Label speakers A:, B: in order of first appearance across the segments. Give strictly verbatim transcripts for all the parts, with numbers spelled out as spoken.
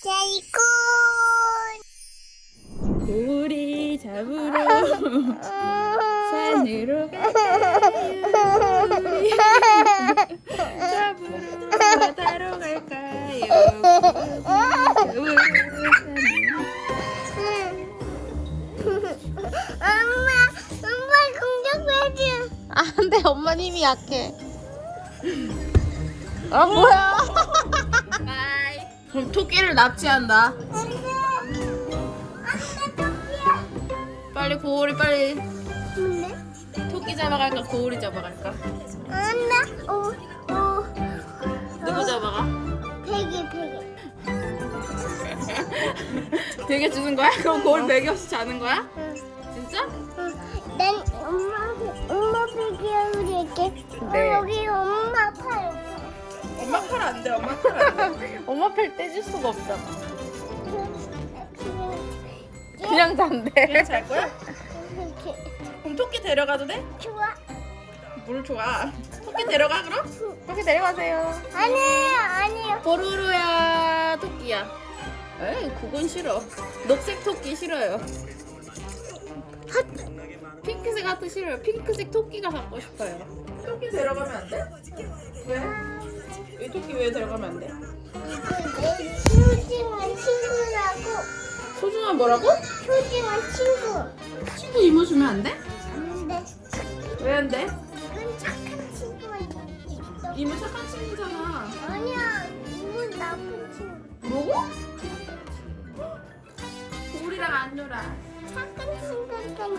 A: 사이콘.
B: 고리 잡으러 산으로 갈까요? 우리 잡으러 바다로 갈까요? 고리 잡으러
A: 엄마, 엄마 공격해줘.
C: 안 돼, 엄마 힘이 약해. 아, 뭐야?
B: 바이. 그럼 토끼를 납치한다.
A: 안돼, 안돼 토끼야.
B: 빨리 고리 빨리.
A: 뭔데?
B: 토끼 잡아갈까 고리 잡아갈까?
A: 안돼. 오, 오.
B: 누구 잡아가?
A: 베개, 베개.
B: 베개 주는 거야? 그럼 고리 베개 없이 자는 거야?
A: 응.
B: 진짜?
A: 응. 난 엄마, 엄마 베개를 줄게.
C: 네.
A: 어, 여기 엄마 팔.
B: 엄마 팔 안 돼. 엄마 팔 안 돼.
C: 엄마 팔 떼줄 수가 없잖아. 그냥 잔대.
B: 그냥 잘 거야?
A: 이렇게.
B: 그럼 토끼 데려가도 돼?
A: 좋아.
B: 뭘 좋아? 토끼 데려가 그럼?
C: 토끼 내려가세요.
A: 아니에요, 아니에요.
B: 보루루야 토끼야. 에이 그건 싫어. 녹색 토끼 싫어요. 하트. 핑크색 하트 싫어요. 핑크색 토끼가 갖고 싶어요. 토끼 데려가면 안 돼? 왜? 이 토끼 왜 데려가면 안 돼?
A: 내 소중한 친구라고.
B: 소중한 뭐라고?
A: 소중한 친구.
B: 친구 이모 주면 안 돼?
A: 안 돼.
B: 왜 안 돼?
A: 그건 착한 친구가 있어.
B: 이모 착한 친구잖아.
A: 아니야, 이건 나쁜 친구.
B: 뭐고? 우리랑 안 놀아.
A: 착한 친구니까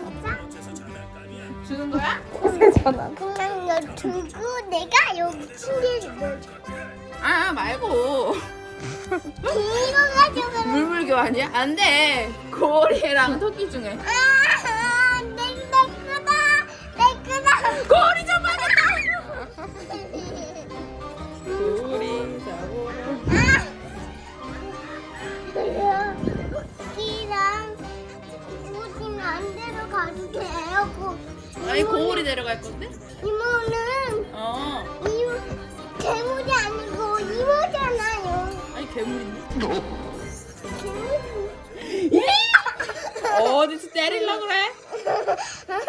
B: 주는 거야?
C: 전화.
A: 그냥 너 두고 내가 여기 침대를 넣어줘.
B: 아 말고.
A: 이거 가져가.
B: 물물 교환이야? 안 돼. 고리랑 토끼 중에.
A: 아, 내, 내 거다. 내 거다.
B: 고리 잡아라. 고리 잡아라.
A: 토끼랑 우진 안 데려가도 돼요.
B: 아니 고리 데려갈 건데?
A: 이모는
B: 어.
A: 이모 괴물이 아니고 이모잖아요.
B: 아니 괴물인데?
A: 괴물이.
B: 어디서 때리려 그래?